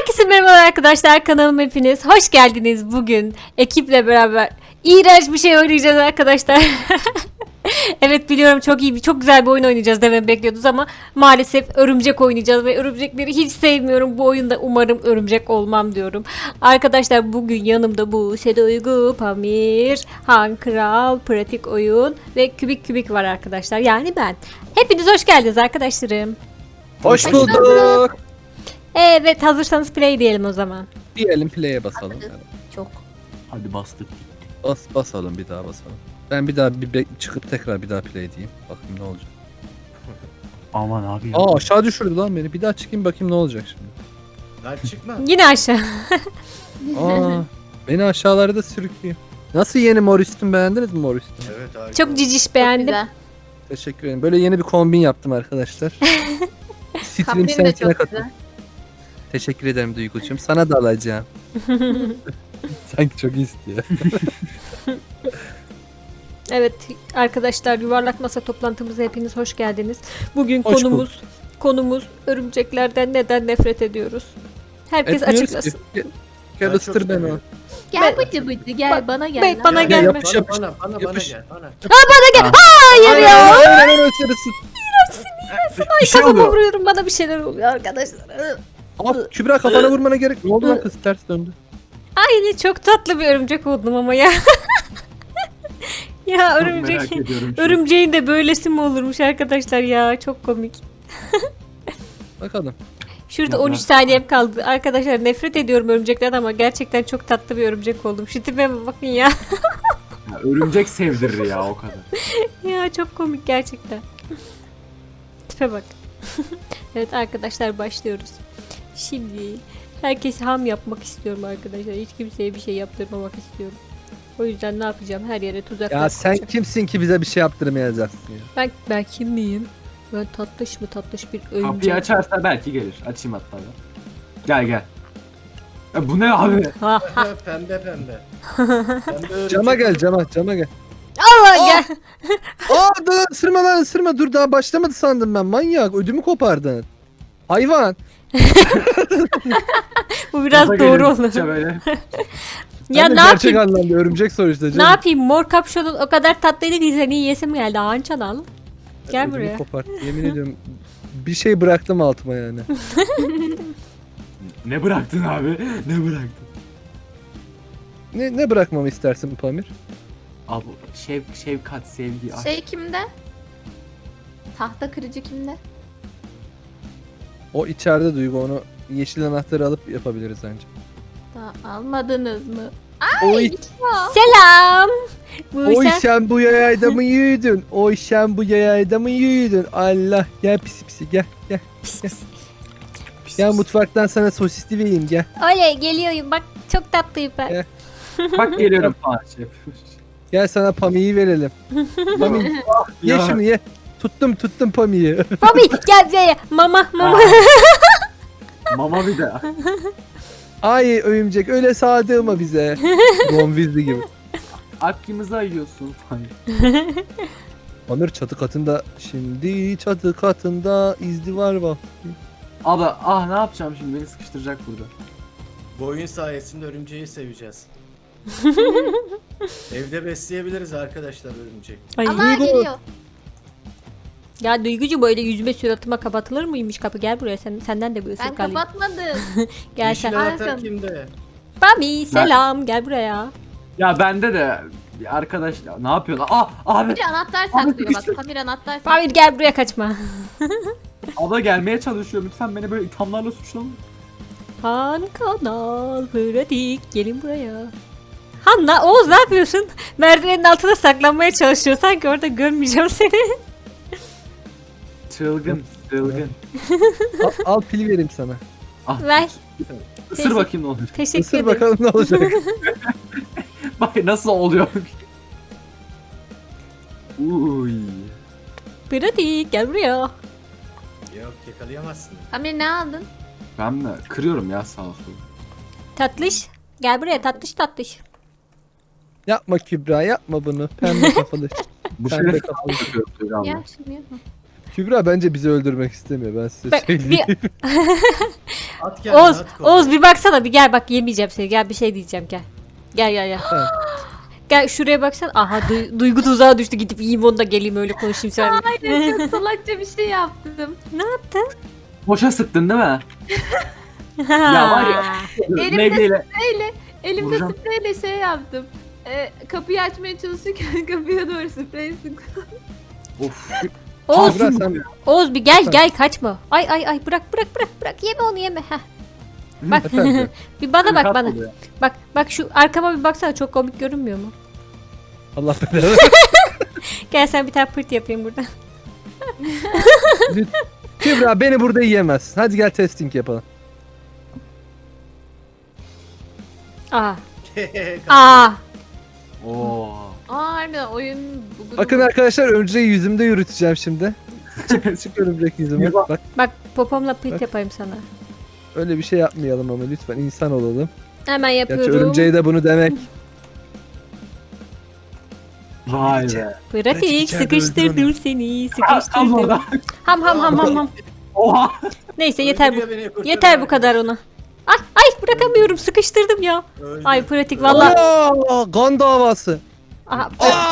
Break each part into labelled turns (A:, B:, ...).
A: Herkese merhaba arkadaşlar, kanalıma hepiniz hoş geldiniz. Bugün ekiple beraber iğrenç bir şey oynayacağız arkadaşlar. Evet biliyorum, çok güzel bir oyun oynayacağız dememi bekliyordunuz ama maalesef örümcek oynayacağız ve örümcekleri hiç sevmiyorum. Bu oyunda umarım örümcek olmam diyorum. Arkadaşlar bugün yanımda Buse Duygu, Pamir, Han Kral, Pratik Oyun ve Kübik var arkadaşlar. Yani ben. Hepiniz hoş geldiniz arkadaşlarım.
B: Hoş bulduk.
A: Evet, hazırsanız play diyelim o zaman.
B: Diyelim play'e basalım.
A: Çok.
C: Hadi bastık.
B: Basalım bir daha basalım. Ben bir daha çıkıp tekrar bir daha play diyeyim. Bakayım ne olacak.
C: Aman abi ya.
B: Aa aşağı düşürdü lan beni. Bir daha çıkayım bakayım ne olacak şimdi.
D: Lan çıkma.
A: Yine aşağı.
B: Aa beni aşağılarda sürüklüyor. Nasıl yeni mor üstüm, beğendiniz mi mor üstüm?
D: Evet harika.
A: Çok ciciş beğendim.
B: Teşekkür ederim. Böyle yeni bir kombin yaptım arkadaşlar. Stream
E: Kombin de
B: sensine
E: çok
B: katıl.
E: güzel.
B: Teşekkür ederim Duygucuğum. Sana da alacağım. Sanki çok istiyor.
A: Evet arkadaşlar, yuvarlak masa toplantımıza hepiniz hoş geldiniz. Bugün
B: Hoş
A: konumuz örümceklerden neden nefret ediyoruz? Herkes
B: Etmiyoruz
A: açıklasın.
B: ki. Gel
D: Ben
B: ısıtır
D: çok
B: beni o.
D: seviyorum.
E: Gel bıcı bıcı gel bana gel.
A: Bey,
E: lan.
A: bana
D: Gel,
A: gelme.
B: Yapış, yapış.
D: Bana
B: Yapış.
D: gel bana.
A: Hayır ya.
B: Aynen ısırırsın.
A: Ay kafama vuruyorum, bana bir şeyler oluyor arkadaşlar.
B: Aa, Kübra kafana vurmana gerek. Ne oldu lan kız, ters döndü.
A: Ay çok tatlı bir örümcek oldum ama ya. Ya
C: Çok merak
A: örümcek.
C: ediyorum şu an.
A: Örümceğin de böylesi mi olurmuş arkadaşlar ya, çok komik.
B: Bakalım.
A: Şurada
C: Ya
A: 13
C: ben-
A: saniyem kaldı. Arkadaşlar nefret ediyorum örümceklerden ama gerçekten çok tatlı bir örümcek oldum. Şu tipime bakın ya.
C: Ya, örümcek sevdirir ya o kadar.
A: Ya çok komik gerçekten. Tipe bak. Evet arkadaşlar, başlıyoruz. Şimdi herkesi ham yapmak istiyorum arkadaşlar. Hiç kimseye bir şey yaptırmamak istiyorum. O yüzden ne yapacağım? Her yere tuzaklar
B: Ya sen
A: kuracağım.
B: kimsin ki bize bir şey yaptırmayacaksın ya?
A: Ben kim miyim? Ben tatlış bir
C: Kapıyı
A: örümcek.
C: açarsa belki gelir. Açayım hatta ben. Gel gel. Ya bu ne abi?
A: Ha ha.
D: Pembe. Pembe
B: Cama
D: örümcek.
B: gel, cama gel.
A: Allah gel.
B: Aa dur, ısırma lan, ısırma. Dur, daha başlamadı sandım ben. Manyak, ödümü kopardın. Hayvan.
A: Bu biraz
C: Gaza
A: doğru
C: gelin,
A: oldu.
C: Türkçe böyle.
A: Ya
B: Ben de
A: ne
B: gerçek
A: yapayım?
B: anlamda örümcek sonuçta canım.
A: Ne yapayım? Mor kapşonun o kadar tatlıydı ki seni yiyesim geldi. Ağançan al. Gel
B: Ödümü
A: buraya.
B: kopart. Yemin ediyorum bir şey bıraktım altıma yani.
C: Ne bıraktın abi? Ne bıraktın?
B: Ne bırakmamı istersin Pamir?
C: Abi şefkat, sevgi, aşk.
E: Şey kimde? Tahta kırıcı kimde?
B: O içeride Duygu, onu yeşil anahtarı alıp yapabiliriz bence.
E: Daha almadınız mı?
B: Oy,
A: Selam.
B: oy
A: Buse.
B: sen bu yayayda mı yürüdün? Oy sen bu yayayda mı yürüdün? Allah, gel pisi gel.
C: Pis,
B: Gel
C: pis.
B: mutfaktan sana sosisli vereyim gel.
A: Oley, geliyorum. Bak çok tatlıyım ben.
B: Gel.
C: Bak geliyorum falan şef.
B: Gel sana Pami'yi verelim. Pami ye
C: Ya.
B: şunu ye. Tuttum Pami'yi.
A: Bobby gel buraya. Mama.
C: Mama bir de.
B: Ay örümcek, öyle sağdığıma bize. Bonvizli gibi.
C: Hakkımızı ayıyorsun falan.
B: Pamir çatı katında, şimdi çatı katında izdivar var.
C: Abi ne yapacağım şimdi, beni sıkıştıracak burada.
D: Bu oyun sayesinde örümceği seveceğiz. Evde besleyebiliriz arkadaşlar örümcek.
A: Ay.
E: Allah geliyor.
A: Ya Duygucu, böyle yüzüme suratıma kapatılır mıymış kapı? Gel buraya, senden de bir
E: Ben
A: ısırık alayım.
E: kapatmadım.
A: Gel
D: Yeşil
A: sen.
D: anahtar
E: Arkam.
D: kimde?
A: Bobby selam, gel buraya.
C: Ya bende de bir arkadaş ne yapıyorsun? Abi
E: Pamir anahtar saklıyor bak.
C: sıkıştı.
E: Pamir anahtar saklıyor.
A: Bobby gel buraya, kaçma.
C: abla gelmeye çalışıyor, lütfen beni böyle ithamlarla suçlama.
A: Han Kanal Pratik, gelin buraya. Hanna, Oğuz ne yapıyorsun? Merdivenin altına saklanmaya çalışıyor. Sanki orada görmeyeceğim seni.
C: Çılgın.
B: Al pil vereyim sana.
A: Ver.
C: Isır bakayım ne oluyor.
A: Teşekkür
B: Isır
A: ederim.
B: bakalım ne olacak.
C: Bak nasıl oluyor. Uy.
A: Pratik gel buraya.
D: Yok yakalayamazsın.
E: Pamir ne aldın?
C: Ben mi? Kırıyorum ya sağa sola.
A: Tatlış. Gel buraya, tatlış.
B: Yapma Kübra, yapma bunu. Pembe kafalı.
C: Bu
B: Pembe
C: şeref
B: kafalı.
C: yapıyorum
E: Ya şunu yapma.
B: Kübra bence bizi öldürmek istemiyor ben size
A: Bak,
B: söyleyeyim.
D: At kendini
A: Oğuz,
D: at kolunu.
A: Oğuz bir baksana bir gel bak yemeyeceğim seni. Gel bir şey diyeceğim gel. Gel.
B: Tamam.
A: Gel şuraya baksana. Aha duygu tuzağa düştü. Gidip yiyeyim onu da geleyim öyle konuşayım seninle.
E: Aynen çok salakça bir şey yaptım.
A: Ne yaptın?
C: Boşa sıktın değil mi? Ya var ya.
E: Elimde
C: Meyveyle.
E: Elimde
C: Vuracağım.
E: spreyle şey yaptım. Kapıyı açmaya çalışırken kapıya doğru sprey sıktım.
C: Of.
A: Oğuz,
B: Kübra sen
A: Oğuz bir gel kaçma. Ay bırak yeme onu yeme. Heh. Bak
B: Efendim?
A: bir bana bak bana.
C: Oluyor.
A: Bak şu arkama bir baksana çok komik görünmüyor mu?
B: Allah belanı.
A: Gel sen bir tane pırt yapayım burada.
B: Kübra beni burada yiyemezsin. Hadi gel testing yapalım.
A: Aa. Aa.
C: Oo.
E: Harbiden oyun bugün.
B: Bakın arkadaşlar örümceği yüzümde yürüteceğim şimdi. Çık örümcek yüzüme. Bak
A: Bak popomla pırt
B: Bak.
A: yapayım sana.
B: öyle bir şey yapmayalım ama lütfen insan olalım.
A: Hemen
B: Gerçi
A: yapıyorum.
B: örümceği de bunu demek.
C: Vay be.
A: Pratik
B: içeride
A: sıkıştırdım
B: öldürüyorum.
A: seni
C: Tam
A: sıkıştırdım.
C: orada.
A: Ham.
C: Oha.
A: Neyse yeter bu.
D: Öldürüyor beni, kurtarıyor
A: Yeter bu
D: beni.
A: kadar ona. Ay bırakamıyorum sıkıştırdım ya.
D: Öldü.
A: Ay pratik valla.
B: Aa, kan davası.
A: Aha,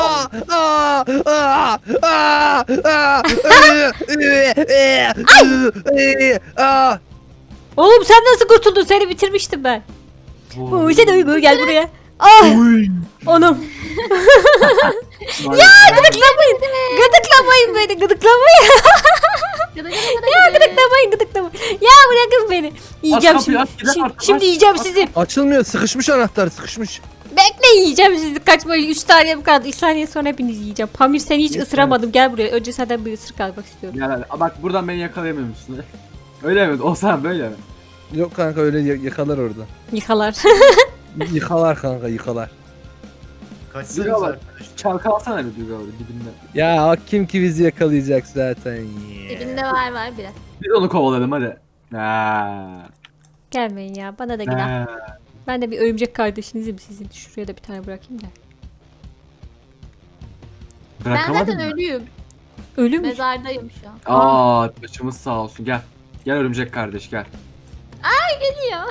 A: Oğlum sen nasıl kurtuldun? Seni bitirmiştim ben. Uy sen uygu gel buraya. Ah onum.
C: Ya
A: Gıdıklamayın. Gıdıklamayın beni. Gıdıklamayın. Gıdıklamayın. Ya bırakın beni. Yiyeceğim
C: Aç kapıyı,
A: şimdi.
C: aç, gidelim
A: Şimdi,
C: artık,
A: şimdi
C: aç.
A: yiyeceğim sizi.
B: Açılmıyor sıkışmış anahtar sıkışmış.
A: Bekle yiyeceğim sizi. Kaçmayın. 3 saniye kaldı. 3 saniye sonra hepinizi yiyeceğim. Pamir seni hiç
B: Yeter.
A: ısıramadım. Gel buraya. Önce senden bir ısırık almak istiyorum.
C: Gel hadi. Bak buradan beni yakalayamıyor musun? Öyle mi? O sen böyle mi?
B: Yok kanka öyle yakalar orada.
A: Yıkalar.
B: Yıkalar kanka yıkalar.
D: Kaçsanız
C: Yürü bak.
D: arkadaşlar.
C: Çalkalasana bir duygu abi dibinde.
B: Ya kim ki bizi yakalayacak zaten.
E: Dibinde var biraz.
C: Biz onu kovaladım hadi. Ha.
A: Gelmeyin ya. Bana da günah.
C: Ha.
A: Ben de bir örümcek kardeşinizim sizin. Şuraya da bir tane bırakayım da.
E: Ben
C: Bırakamadın
E: zaten
C: mı?
E: ölüyüm.
A: Ölü mü?
E: Mezardayım şu an.
C: Aa, başımız sağ olsun. Gel. Gel örümcek kardeş gel.
E: Geliyor.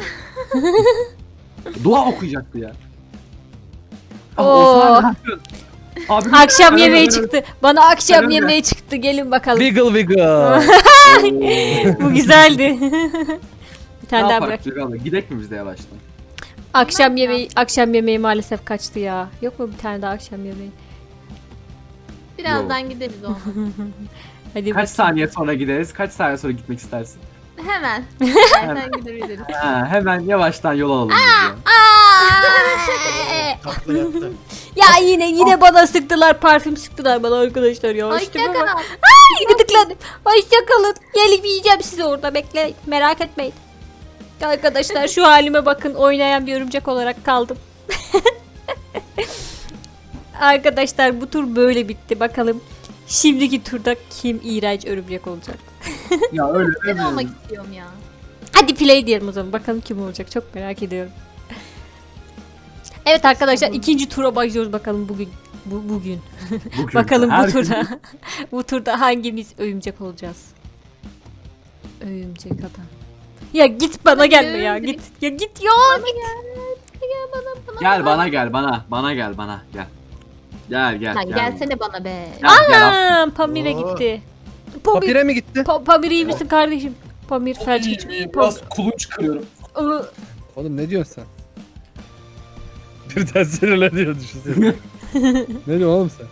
C: Dua okuyacaktı ya.
A: Oo.
C: Osman, ne yapıyorsun? Abi,
A: Akşam
C: ben
A: yemeği
C: öyle-
A: çıktı. Bana akşam
C: öyle-
A: yemeği çıktı. Gelin bakalım.
B: Wiggle wiggle.
C: Oo.
A: Bu güzeldi. Bir tane
C: Ne
A: daha
C: yapak
A: bırak.
C: Duygu abla? Gidek mi biz de yavaştan?
A: Akşam yemeği maalesef kaçtı ya. Yok mu bir tane daha akşam yemeği?
E: Birazdan gideriz onu.
A: Hadi
C: Kaç
A: bakayım.
C: saniye sonra gideriz? Kaç saniye sonra gitmek istersin?
E: Hemen. Zaten gidebiliriz.
C: Ha, hemen yavaştan yol alalım biz ya.
D: Tatlı yaptı.
A: Ya yine bana sıktılar. Parfüm sıktılar bana arkadaşlar ya.
E: Ay
A: İşte
E: ne
A: bu
E: kadar.
A: bak. Gıdıkladım. Hoşçakalın. Gelip yiyeceğim sizi orada. Bekle. Merak etmeyin. Arkadaşlar şu halime bakın. Oynayan bir örümcek olarak kaldım. Arkadaşlar bu tur böyle bitti. Bakalım şimdiki turda kim iğrenç örümcek olacak?
C: Ya öyle
E: Ben
C: deme.
E: olmak istiyorum ya.
A: Hadi play diyelim o zaman. Bakalım kim olacak. Çok merak ediyorum. Evet arkadaşlar ikinci tura başlıyoruz bakalım bugün. Bugün.
C: Bugün
A: Bakalım bu
C: her
A: turda. Bu turda hangimiz örümcek olacağız? Örümcek adam. Ya git bana gelme ya.
E: örümcek.
A: Git. Ya git ya.
E: Gel bana.
C: Gel bana gel bana. Bana gel bana. Gel. Gel.
E: Lan gelsene bana be.
C: Gel.
A: Aa, Pamir'e
D: Oo.
A: gitti. Pamir,
B: Papire mi gitti?
A: Pamir iyi misin kardeşim? Pamir felç geçiyor.
C: Biraz kulunç kırıyorum.
B: Oğlum ne diyorsun sen? Birden sinirleniyor düşünsene. Ne diyorsun oğlum sen?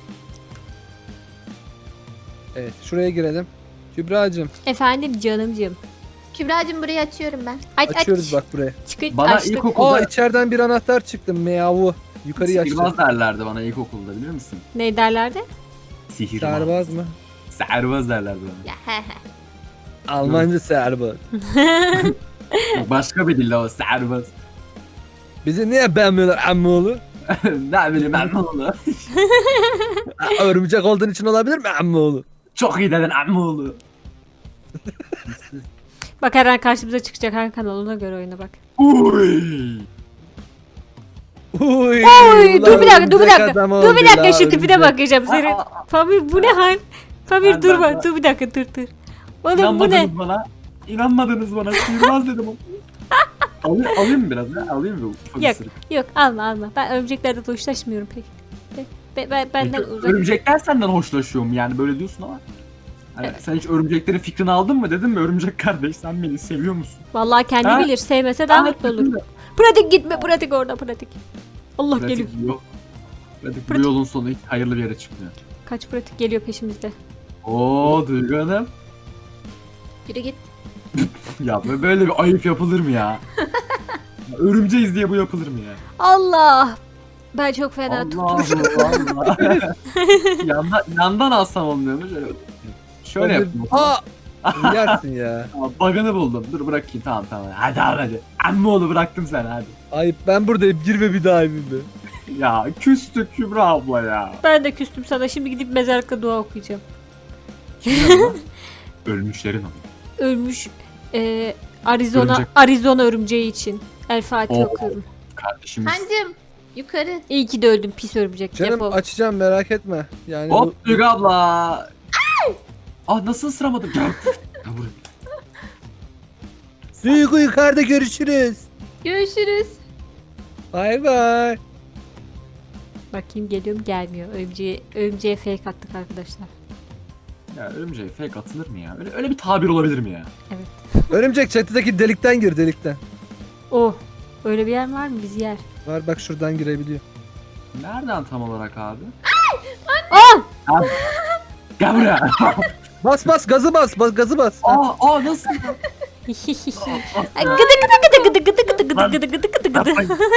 B: Evet şuraya girelim. Kübra'cığım
A: Efendim canımcığım.
E: Kübra'cığım burayı açıyorum ben.
B: açıyoruz bak buraya.
A: Çıkın
C: Bana
A: açtık.
C: ilkokulda
B: Aa içeriden bir anahtar çıktı. Meyavu. Yukarıya açtım.
C: sihirbaz derlerdi bana ilkokulda bilir misin?
A: Ne derlerdi?
C: Sihirbaz.
B: Serbaz mı?
C: Serbaz derlerdi bana.
E: Ya he he.
B: Almanca serbaz.
C: Başka bir dille o serbaz.
B: Bizi niye beğenmiyorlar ammoğlu?
C: Ne bileyim ben ne oldu?
B: Örümcek olduğun için olabilir mi ammoğlu?
C: Çok iyi dedin amma oğlu.
A: Bak her an karşımıza çıkacak her kanalına göre oyna bak.
C: Uy.
B: Uy,
A: Oy
B: ulan
A: dur bir dakika dur bir
B: örümcek
A: dakika.
B: adam
A: Dur bir
B: oldu
A: dakika
B: la,
A: şu tipine
B: örümcek.
A: bakacağım seni.
C: Aa,
A: Pamir bu ne hal? Pamir dur
C: ben-
A: bak. Dur bir dakika dur. Oğlum bu ne?
C: İnanmadınız bana. İnanmadınız bana. Sihirbaz dedim o. Alayım mı biraz ya? Alayım mı? Ufak
A: Yok.
C: ısırık.
A: Yok alma. Ben örümceklerle de hoşlaşmıyorum pek. Benden uzak.
C: Örümcekler senden hoşlaşıyor mu yani böyle diyorsun ama. Hani
A: Evet.
C: sen hiç örümceklerin fikrini aldın mı dedim mi örümcek kardeş sen beni seviyor musun?
A: Vallahi kendi
C: Ha?
A: bilir. Sevmese daha mutlu olur. Pratik gitme. Pratik orada pratik. Allah geliyor.
C: Pratik yok. Pratik bu
A: Pratik.
C: yolun sonu hiç hayırlı bir yere çıkmıyor.
A: Kaç pratik geliyor peşimizde.
C: Oo Duygu Hanım.
E: Yürü git.
C: Ya böyle bir ayıp yapılır mı ya? Ya örümceğiz diye bu yapılır mı ya?
A: Allah. Ben çok fena
C: Allah Allah. Yandan alsam olmuyor mu? Şöyle yapayım.
B: Aa! Yersin ya.
C: Tamam, bug'ını buldum. Dur bırakayım tamam. Hadi abi hadi. Emmoğlu bıraktım seni hadi.
B: Ayıp ben buradayım girme bir daha evime.
C: Ya küstük Kübra abla ya.
A: Ben de küstüm sana. Şimdi gidip mezarlıkta dua okuyacağım.
C: Ölmüşlerin ama.
A: Ölmüş
C: Örümcek.
A: Arizona örümceği için. El Fatiha
C: Oo.
A: okuyorum.
C: Kardeşimiz.
E: Hancım yukarı.
A: İyi ki de öldüm pis örümcek.
B: Canım
A: Defol.
B: açacağım merak etme. Yani
C: Hop Duygu abla. Ah nasıl ısıramadım? Gel. Gel buraya.
B: Duygu yukarıda görüşürüz.
E: Görüşürüz.
B: Bay bay.
A: Bakayım geliyorum gelmiyor. Örümceğe fake attık arkadaşlar.
C: Ya örümceğe fake atılır mı ya? Öyle bir tabir olabilir mi ya?
B: Örümcek çatıdaki delikten gir delikten.
A: Oh. Öyle bir yer var mı? Biz yer.
B: Var bak şuradan girebiliyor.
C: Nereden tam olarak abi?
A: Aa!
C: Abi, gel buraya.
B: Bas gazı bas gazı bas. Ha.
C: Aa nasıl?
A: Ay, gıdı.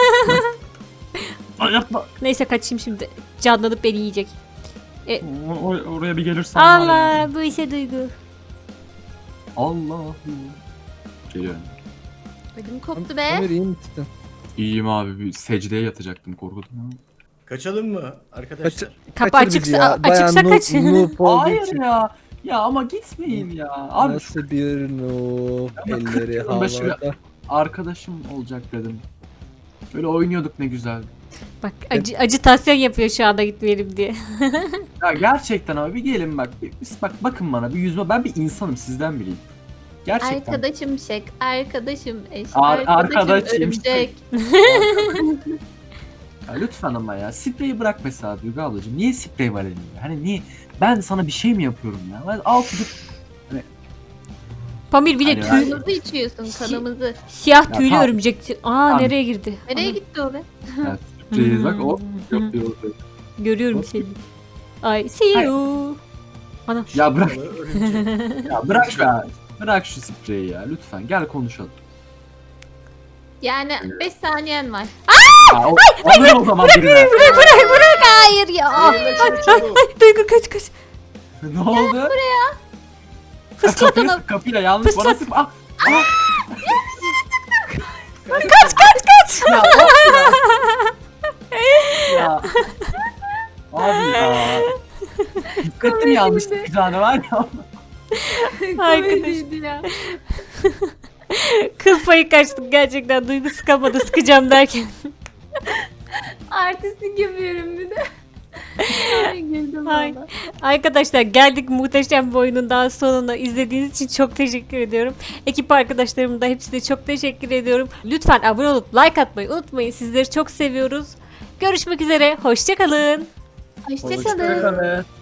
C: Ay, yapma.
A: Neyse kaçayım şimdi. Canlanıp beni yiyecek.
C: Oraya bir gelirsen var ya.
A: Allah bu ise Duygu.
C: Allah. Geliyorum.
E: Ödüm koptu be.
B: Ömer iyi misin?
C: İyiyim abi. Bir secdeye yatacaktım korkudum ya.
D: Kaçalım mı arkadaşlar?
A: Kapı
B: Kaçır bizi
A: açıksa
B: ya. Bayağı
A: açıksa kaç.
B: noob olduğu
C: Hayır
B: için.
C: ya. Ya ama gitmeyin ya. Abi
B: Nasıl bir noob
C: Ama 40
B: elleri
C: yılın başı-
B: havada.
C: arkadaşım olacak dedim. Böyle oynuyorduk ne güzel.
A: Bak acıtasyon yapıyor şu anda gitmeyelim diye.
C: Ya gerçekten abi bir gelin bak. Bak bakın bana bir yüzüme. Ben bir insanım sizden bileyim. Gerçekten.
E: Arkadaşım şek, arkadaşım eş,
C: Arkadaşım
E: örümcek.
C: Ya lütfen ama ya. Spreyi bırak mesela Duygu ablacığım. Niye sprey var elinde? Hani niye? Ben sana bir şey mi yapıyorum ya? Ben al tutup
A: Pamir bir de
C: Hani
A: tüy,
E: Kanımızı içiyorsun, kanımızı.
A: siyah
C: Ya
A: tüylü
C: tamam.
A: örümcek. Aa
C: Tamam.
A: nereye girdi?
E: Nereye
A: Ana,
E: gitti o be?
C: ya, spreyi bak o yapıyor.
A: görüyorum seni. Ay see you. Ana.
C: Ya bırak.
D: Örümcek.
C: Ya bırak şu Bırak şu spreyi ya lütfen. Gel konuşalım.
E: Yani 5 saniyen var.
C: Ya, alır o zaman birine.
A: Bırak hayır ya.
D: Eline şunu çabuk.
A: Duygu kaç.
C: Ne oldu?
A: Fıslat
C: Kapıyı
A: onu.
C: sık, kapıyla yanlış bana
A: Fıslat.
C: sık. Ah! Ah!
A: Kaç.
C: Ya, ya. Abi ya. Dikkatli yanlış sıkacağını var ya.
A: Arkadaş.
E: Komediydi ya.
A: Kıl payı kaçtık gerçekten. Duygu sıkamadı sıkacağım derken.
E: Artistlik yapıyorum bir de. Ay güldüm
A: Ay.
E: valla.
A: Arkadaşlar geldik muhteşem bir oyunun daha sonuna. İzlediğiniz için çok teşekkür ediyorum. Ekip arkadaşlarım da hepsine çok teşekkür ediyorum. Lütfen abone olup like atmayı unutmayın. Sizleri çok seviyoruz. Görüşmek üzere. Hoşça kalın.
E: Hoşçakalın.
C: Hoşçakalın.